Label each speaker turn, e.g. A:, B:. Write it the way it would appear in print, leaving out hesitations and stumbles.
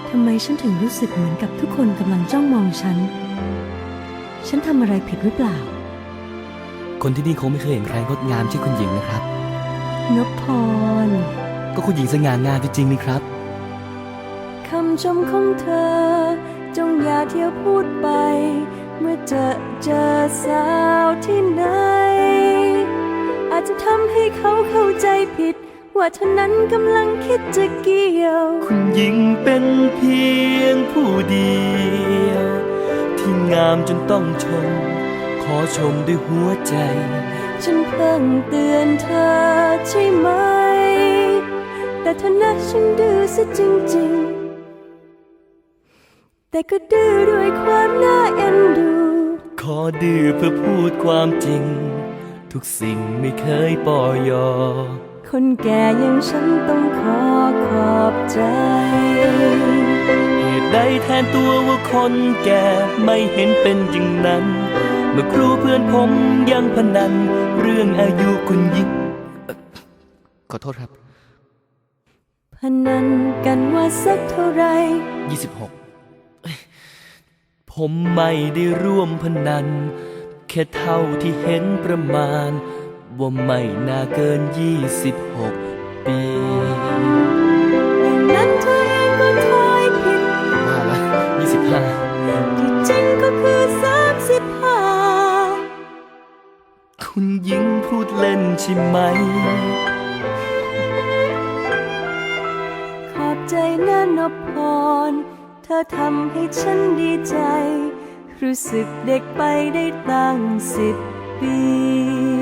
A: ทำไมฉันถึงรู้สึกเหมือนกับทุกคนกำลังจ้องมองฉัน ฉันทำอะไรผิดหรือเปล่า
B: คนที่นี่คงไม่เคยเห็นใครงดงามเช่นคุณหญิงนะครับ
A: นพพร
B: ก็คุณหญิงสง่างามจริงๆนี่ครับ
A: คำชมของเธอ จงอย่าเที่ยวพูดไป เมื่อเจอสาวที่ไหน อาจจะทำให้เขาเข้าใจผิด ว่าเธอนั้นกำลังคิดจะเกี่ยว
B: คุณหญิงเป็นเพียงผู้เดียว ที่งามจนต้องชม ขอชมด้วยหัวใจ
A: ฉันเพิ่งเตือนเธอใช่ไหม แต่เธอนะฉันดื้อซะจริงๆ แต่ก็ดื้อด้วยความน่าเอ็นดู
B: ขอดื้อเพื่อพูดความจริง ทุกสิ่งไม่เคยปล่อยยอ
A: คนแก่อย่างฉันต้องขอบใจ
B: เหตุใดแทนตัวว่าคนแก่ไม่เห็นเป็นอย่างนั้น เมื่อครูเพื่อนผมยังพนัน เรื่องอายุคุณหญิงขอโทษครับ
A: พนันกันว่าสักเท่าไร
B: 26ผมไม่ได้ร่วมพนัน แค่เท่าที่เห็นประมาณ ว่าไม่น่าเกิน26 ปี
A: อย่างนั้นเธอเองก็ทายผิด
B: ว่าละ25
A: ที่จริงก็คือ35
B: คุณหญิงพูดเล่นใช่ไหม
A: ขอบใจนะนพพร เธอทำให้ฉันดีใจ รู้สึกเด็กไปได้ตั้ง10 ปี